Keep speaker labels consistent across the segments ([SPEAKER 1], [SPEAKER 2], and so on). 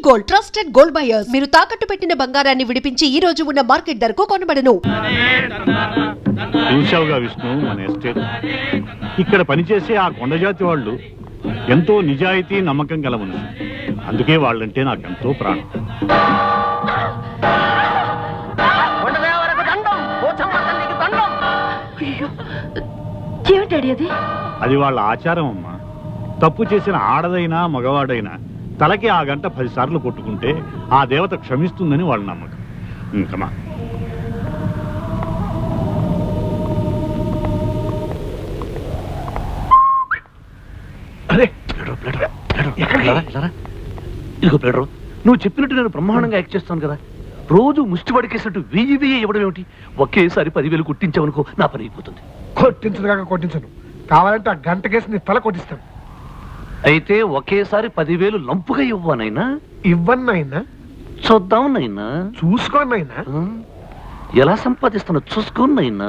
[SPEAKER 1] Gold, trusted gold buyers. మీరు తాకట్టు పెట్టిన బంగారాన్ని విడిపించి ఈ రోజు ఉన్న మార్కెట్ ధరకు కొనబడను.
[SPEAKER 2] చూశావుగా విష్ణు, మన ఎస్టేట్ ఇక్కడ పనిచేసే ఆ కొండజాతి వాళ్ళు ఎంతో నిజాయితీ నమ్మకం గల మనుషులు. అందుకే వాళ్ళంటే నాకెంతో ప్రాణం. అది వాళ్ళ ఆచారం అమ్మా. తప్పు చేసిన ఆడదైనా మగవాడైనా తలకి ఆ గంట 10 సార్లు కొట్టుకుంటే ఆ దేవత క్షమిస్తుందని వాళ్ళ నమ్మకం. ఇంకమా
[SPEAKER 3] ఇదిగో ప్లేడరు, నువ్వు చెప్పినట్టు నేను బ్రహ్మాండంగా యాక్ట్ చేస్తాను కదా. రోజు ముష్టి పడికేసినట్టు 1000 ఇవ్వడం ఏమిటి? ఒకేసారి 10,000 కొట్టించావనుకో, నా పని అయిపోతుంది.
[SPEAKER 4] కొట్టించదుగా కొట్టించను, కావాలంటే ఆ గంట కేసు నీ తల కొట్టిస్తాను.
[SPEAKER 3] అయితే ఒకేసారి 10,000 లంపుగా ఇవ్వనైనా?
[SPEAKER 4] ఇవ్వన్నైనా
[SPEAKER 3] చూద్దాం నైనా,
[SPEAKER 4] చూసుకోనైనా.
[SPEAKER 3] ఎలా సంపాదిస్తానో చూసుకోనైనా.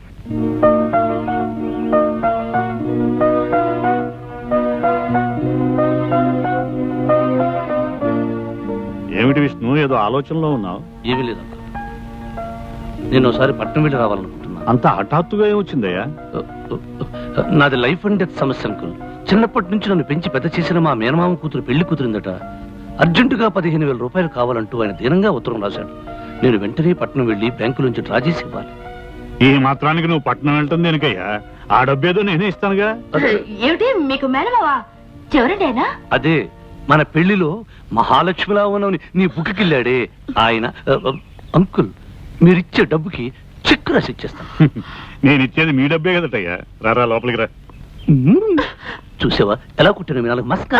[SPEAKER 2] ఏమిటి విష్ణు, ఏదో ఆలోచనలో ఉన్నావు?
[SPEAKER 3] ఏమీ లేదు, నేను ఒకసారి పట్నం వెళ్ళి రావాలనుకుంటున్నా.
[SPEAKER 2] అంత హఠాత్తుగా ఏమొచ్చిందయ్యా?
[SPEAKER 3] నాది లైఫ్ అండ్ డెత్ సమస్య అంకుల్. చిన్నప్పటి నుంచి నన్ను పెంచి పెద్ద చేసిన మా మేనమామ కూతురు పెళ్లి కూతురిందట. అర్జెంటుగా 15,000 రూపాయలు కావాలంటూ ఆయన దీనంగా ఉత్తరం రాశాడు. నేను వెంటనే పట్నం వెళ్ళి బ్యాంకు నుంచి డ్రా చేసి ఇవ్వాలి.
[SPEAKER 2] ఈ మాత్రానికి నువ్వు పట్నం వెళ్తుంది దేనికయ్యా? ఆ డబ్బేదో నేనే ఇస్తానుగా.
[SPEAKER 5] ఏమిటి మీకు మేనమావా? ఎవరండి ఆయన?
[SPEAKER 3] అదే మన పెళ్లిలో మహాలక్ష్మిలా ఉన్నవని నీ బుక్కిళ్ళాడే ఆయన. అంకుల్, మీరిచ్చే డబ్బుకి చెక్ రాసి ఇచ్చేస్తాను.
[SPEAKER 2] నేను ఇచ్చేది మీ డబ్బే కదటయ్యా. రారా లోపలికి రా.
[SPEAKER 3] చూసావా ఎలా కుట్టిన మీ నాలుగు మస్కా.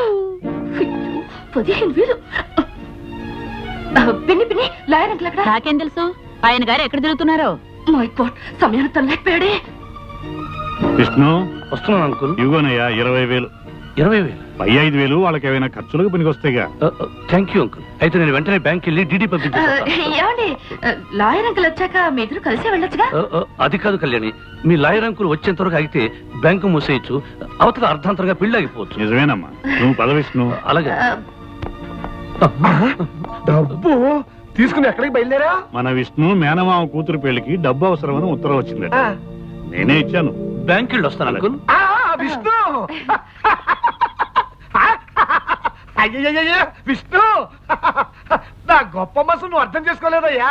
[SPEAKER 5] 15,000. పిన్ని పిన్ని, లాయర్ అంకుల్ అక్కడ.
[SPEAKER 6] నాకేం తెలుసు ఆయన గారు ఎక్కడ తిరుగుతున్నారో?
[SPEAKER 5] మై గాడ్, సమయాన్ని తనలేకపోయాడే.
[SPEAKER 2] విష్ణు,
[SPEAKER 3] వస్తున్నాను అంకుల్.
[SPEAKER 2] ఇవ్వనయ్యా 20,000.
[SPEAKER 3] 20,000?
[SPEAKER 2] పై 5,000 వాళ్ళకి ఏమైనా ఖర్చులకు పనికొస్తాయిగా.
[SPEAKER 3] Thank you uncle. అయితే నేను వెంటనే బ్యాంక్ వెళ్ళి డీడీ పంపించేస్తాను.
[SPEAKER 5] ఏమండి, లాయర్ అంకుల్ వచ్చాక మీ ఇద్దరు కలిసి వెళ్ళొచ్చుగా?
[SPEAKER 3] అది కాదు కళ్యాణి, మీ లాయర్ అంకుల్ వచ్చేంత వరకు అయితే బ్యాంకు మూసేయచ్చు, అవతల అర్ధాంతరంగా పెళ్లి ఆగిపోవచ్చు.
[SPEAKER 2] నిజమేనమ్మా, నువ్వు పద విష్ణు.
[SPEAKER 3] అలాగే.
[SPEAKER 4] డబ్బు తీసుకుని ఎక్కడికి బయలుదేరా?
[SPEAKER 2] మన విష్ణు మేనమామ కూతురు పెళ్లికి డబ్బు అవసరమని ఉత్తరం వచ్చిందట. నేనే ఇచ్చాను.
[SPEAKER 3] బ్యాంక్ వెళ్ళి వస్తాను అంకుల్.
[SPEAKER 4] విష్ణు, అయ్యయ్యయ్య విష్ణు, నా గొప్ప మనసు నువ్వు అర్థం చేసుకోలేదయ్యా.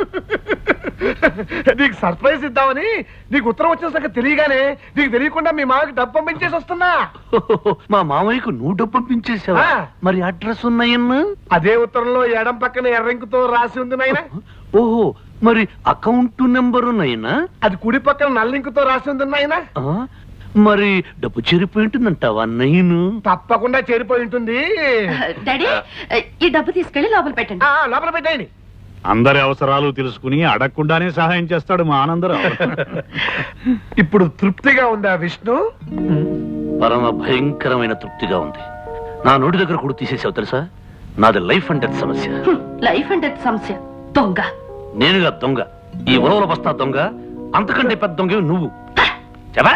[SPEAKER 4] నీకు సర్ప్రైజ్ ఇద్దామని నీకు ఉత్తరం వచ్చిన సంగతి తెలియగానే నీకు తెలియకుండా మీ మామకి డబ్బు పంపించేసి వస్తున్నా.
[SPEAKER 3] మా మామయ్యకు నువ్వు డబ్బు పంపించేసావా? మరి అడ్రస్ ఉన్నాయన్నా?
[SPEAKER 4] అదే ఉత్తరంలో ఎడం పక్కన ఎర్రంకుతో రాసి ఉంది నాయన.
[SPEAKER 3] ఓహో, మరి అకౌంట్ నెంబరు నైనా?
[SPEAKER 4] అది కుడి పక్కన నల్లింకుతో రాసి ఉంది నాయన.
[SPEAKER 3] మరి డబ్బు చేరిపోయి ఉంటుందంటావా నైను?
[SPEAKER 4] తప్పకుండా చేరిపోయి ఉంటుంది.
[SPEAKER 5] డాడీ, ఈ డబ్బు తీసుకెళ్లి లోపల పెట్టండి.
[SPEAKER 4] లోపల పెట్టండి.
[SPEAKER 2] అందరి అవసరాలు తెలుసుకుని అడగకుండానే సహాయం చేస్తాడు మా ఆనందరావు.
[SPEAKER 4] ఇప్పుడు తృప్తిగా ఉందా విష్ణు?
[SPEAKER 3] పరమ భయంకరమైన తృప్తిగా ఉంది. నా నోటి దగ్గర కూడా తీసేసావు తెలుసా? నాది లైఫ్ అండ్ డెత్ సమస్య.
[SPEAKER 5] లైఫ్ అండ్ డెత్ సమస్య? దొంగ
[SPEAKER 3] నేనుగా దొంగ? ఈ ఉలవల బస్తా దొంగ, అంతకంటే పెద్ద దొంగ నువ్వు. చెప్పా?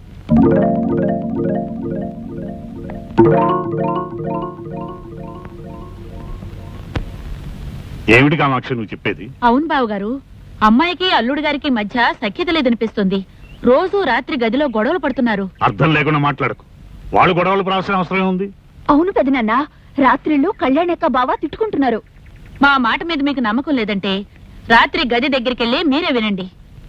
[SPEAKER 2] ఏమిటి కామాక్షి నువ్వు చెప్పేది?
[SPEAKER 6] అవును బావు గారు, అమ్మాయికి అల్లుడు గారికి మధ్య సఖ్యత లేదనిపిస్తుంది. రోజు రాత్రి గదిలో గొడవలు పడుతున్నారు.
[SPEAKER 2] అర్థం లేకుండా మాట్లాడకు. వాళ్ళు గొడవలు పడాల్సిన అవసరం ఉంది.
[SPEAKER 6] అవును పెదనాన్న, రాత్రిళ్ళు కళ్యాణక్క బావ తిట్టుకుంటున్నారు. మా మాట మీద మీకు నమ్మకం లేదంటే రాత్రి గది దగ్గరికెళ్ళి మీరే వినండి.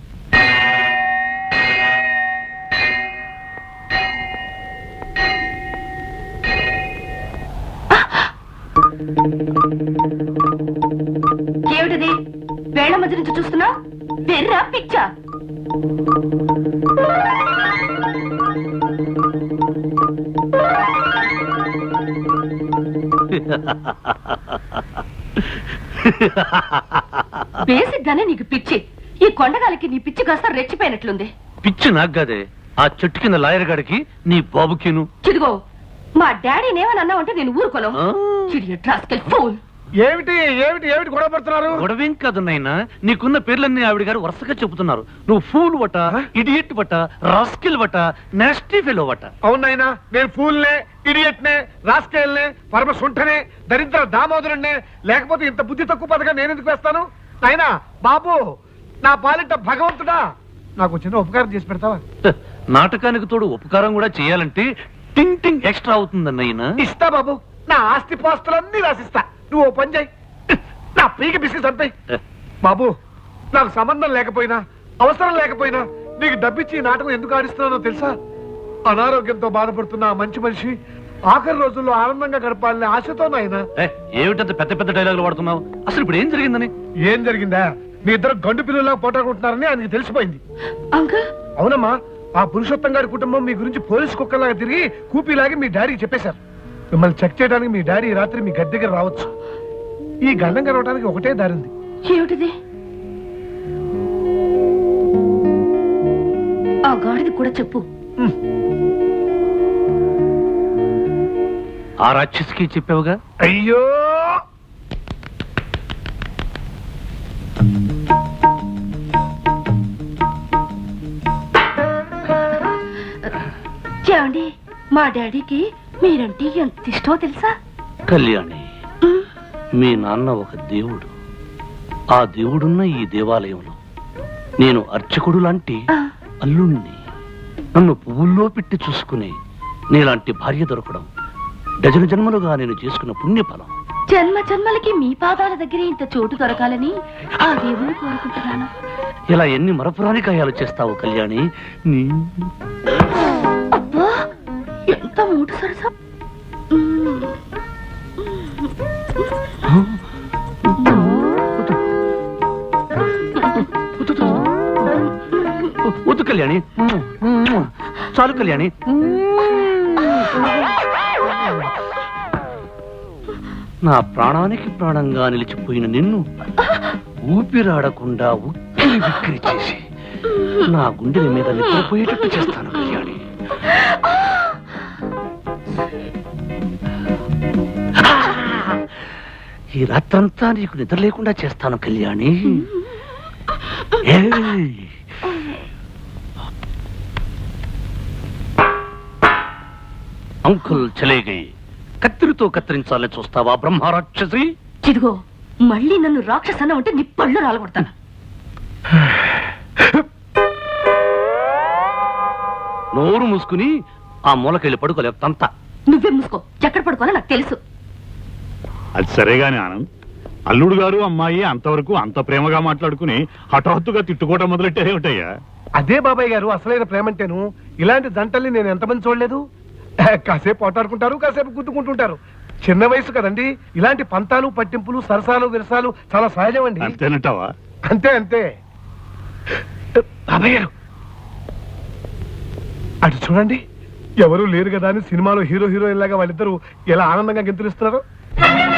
[SPEAKER 5] ఏమిటిది? వేళ్ల మధ్య నుంచి చూస్తున్నా? వెర్రా పిచ్చా? బేసిక్ గానే నీకు పిచ్చి. ఈ కొండగాలికి నీ పిచ్చి కాస్త రెచ్చిపోయినట్లుంది.
[SPEAKER 3] పిచ్చి నాకు కాదే, ఆ చెట్టు కింద లాయర్ గాడికి నీ బాబుకిను.
[SPEAKER 5] చిదిగో, మా డాడీని ఏమని అన్నావంటే నేను ఊరుకోను.
[SPEAKER 4] ఏమిటి ఏమిటి ఏమిటి గొడవ పడుతున్నారు?
[SPEAKER 3] గొడవేం కాదు నాయనా, నీకున్న పేర్లన్నీ ఆవిడ గారు వరుసగా చెబుతున్నారు. నువ్వు ఫూల్ వట, ఇడియట్ వట, రాస్కిల్ వట, నాస్టీ ఫెలో వట.
[SPEAKER 4] అవునాయినా, నేను ఫూల్నే, ఇడియట్నే, రాస్కేల్నే, పరమ సుంఠనే, దరిద్ర దామోదరుణ్ణే. లేకపోతే ఇంత బుద్ధి తక్కువ పథకం నేను ఎందుకు వేస్తాను? నాయనా బాబు, నా పాలిట భగవంతుడా, నాకు చిన్న ఉపకారం చేసి పెడతావా?
[SPEAKER 3] నాటకానికి తోడు ఉపకారం కూడా చేయాలంటే టింగ్ టింగ్ ఎక్స్ట్రా అవుతుందన్నయ్యనా.
[SPEAKER 4] ఇస్తా బాబు, నా ఆస్తి పాస్తులన్నీ రాసిస్తా. నువ్వు ఓ పని చేయి, నా పీక బిస్కెట్ అంతే. బాబు, నాకు సంబంధం లేకపోయినా అవసరం లేకపోయినా నీకు డబ్బిచ్చి ఈ నాటకం ఎందుకు ఆడిస్తున్నానో తెలుసా? అనారోగ్యంతో బాధపడుతున్న ఆ మంచి మనిషి ఆఖరి రోజుల్లో ఆనందంగా గడపాలనే ఆశతో నాయన.
[SPEAKER 3] ఏమిటంత పెద్ద పెద్ద డైలాగులు వాడుతున్నావు? అసలు ఇప్పుడు ఏం జరిగిందని?
[SPEAKER 4] ఏం జరిగిందా? మీ ఇద్దరు గండు పిల్లల్లా పోటాడుకుంటున్నారని ఆయనకి తెలిసిపోయింది.
[SPEAKER 5] అంకుల్,
[SPEAKER 4] అవునమ్మా, ఆ పురుషోత్తం గారి కుటుంబం మీ గురించి పోలీసు కుక్కలాగా తిరిగి కూపీలాగి మీ డాడీకి చెప్పేశారు. మిమ్మల్ని చెక్ చేయడానికి మీ డాడీ ఈ రాత్రి మీ గది దగ్గర రావచ్చు. ఈ గండం గడవడానికి ఒకటే దారి ఉంది.
[SPEAKER 5] ఏమిటిది? ఆ గాడిది కూడా చెప్పు.
[SPEAKER 3] ఆ రాక్షసికి చెప్పావుగా?
[SPEAKER 4] అయ్యో,
[SPEAKER 5] ఏమండి, మా డాడీకి మీరంటే ఎంత ఇష్టమో తెలుసా?
[SPEAKER 3] కళ్యాణి, మీ నాన్న ఒక దేవుడు. ఆ దేవుడున్న ఈ దేవాలయంలో నేను అర్చకుడు లాంటి అల్లుణ్ణి. నన్ను పువ్వుల్లో పెట్టి చూసుకుని నీలాంటి భార్య దొరకడం డజను జన్మలుగా నేను చేసుకున్న పుణ్యఫలం.
[SPEAKER 5] జన్మ జన్మలకి మీ పాదాల దగ్గర ఇంత చోటు దొరకాలని ఆ దేవుని కోరుకుంటున్నాను.
[SPEAKER 3] ఇలా ఎన్ని మరపురాని కాయాలు చేస్తావు కళ్యాణి? నీ
[SPEAKER 5] అబ్బా, ఎంత మూట సరసా.
[SPEAKER 3] వద్దు కళ్యాణి, చాలు కళ్యాణి. నా ప్రాణానికి ప్రాణంగా నిలిచిపోయిన నిన్ను ఊపిరాడకుండా ఉక్కిరి బిక్కిరి చేసి నా గుండెల మీద నిద్రపోయేటట్టు చేస్తాను కళ్యాణి. ఈ రాత్రంతా నీకు నిద్ర లేకుండా చేస్తాను కళ్యాణి. అంకుల్ చలే గయి. కత్తిరితో కత్తిరించాలని చూస్తావా బ్రహ్మరాక్షసి?
[SPEAKER 5] ఇదిగో, మళ్ళీ నన్ను రాక్షసన్న ఉంటే నీ పళ్ళు రాలగొడతాను.
[SPEAKER 3] నోరు మూసుకుని ఆ మూలకెళ్ళి పడుకోలేవు తంత.
[SPEAKER 5] నువ్వే మూసుకో, ఎక్కడ పడుకోవాలో నాకు తెలుసు.
[SPEAKER 2] అది సరేగాని ఆనంద్, అల్లుడు గారు అమ్మాయి అంతవరకు అంత ప్రేమగా మాట్లాడుకుని హఠాత్తుగా తిట్టుకోవటం మొదలెట్టారేమిటయ్యా?
[SPEAKER 4] అదే బాబాయ్ గారు అసలైన ప్రేమంటేను. ఇలాంటి జంటల్ని నేను ఎంతమంది చూడలేదు. కాసేపు పోటాడుకుంటారు, కాసేపు గుద్దుకుంటుంటారు. చిన్న వయసు కదండి. ఇలాంటి పంతాలు పట్టింపులు సరసాలు విరసాలు చాలా సహజం అండి.
[SPEAKER 2] అంతేనంటావా?
[SPEAKER 4] అంతే అంతే. బాబాయ్ గారు అటు చూడండి, ఎవరు లేరు కదా అని సినిమాలో హీరో హీరోయిన్ లాగా వాళ్ళిద్దరూ ఎలా ఆనందంగా గెంతులిస్తున్నారు.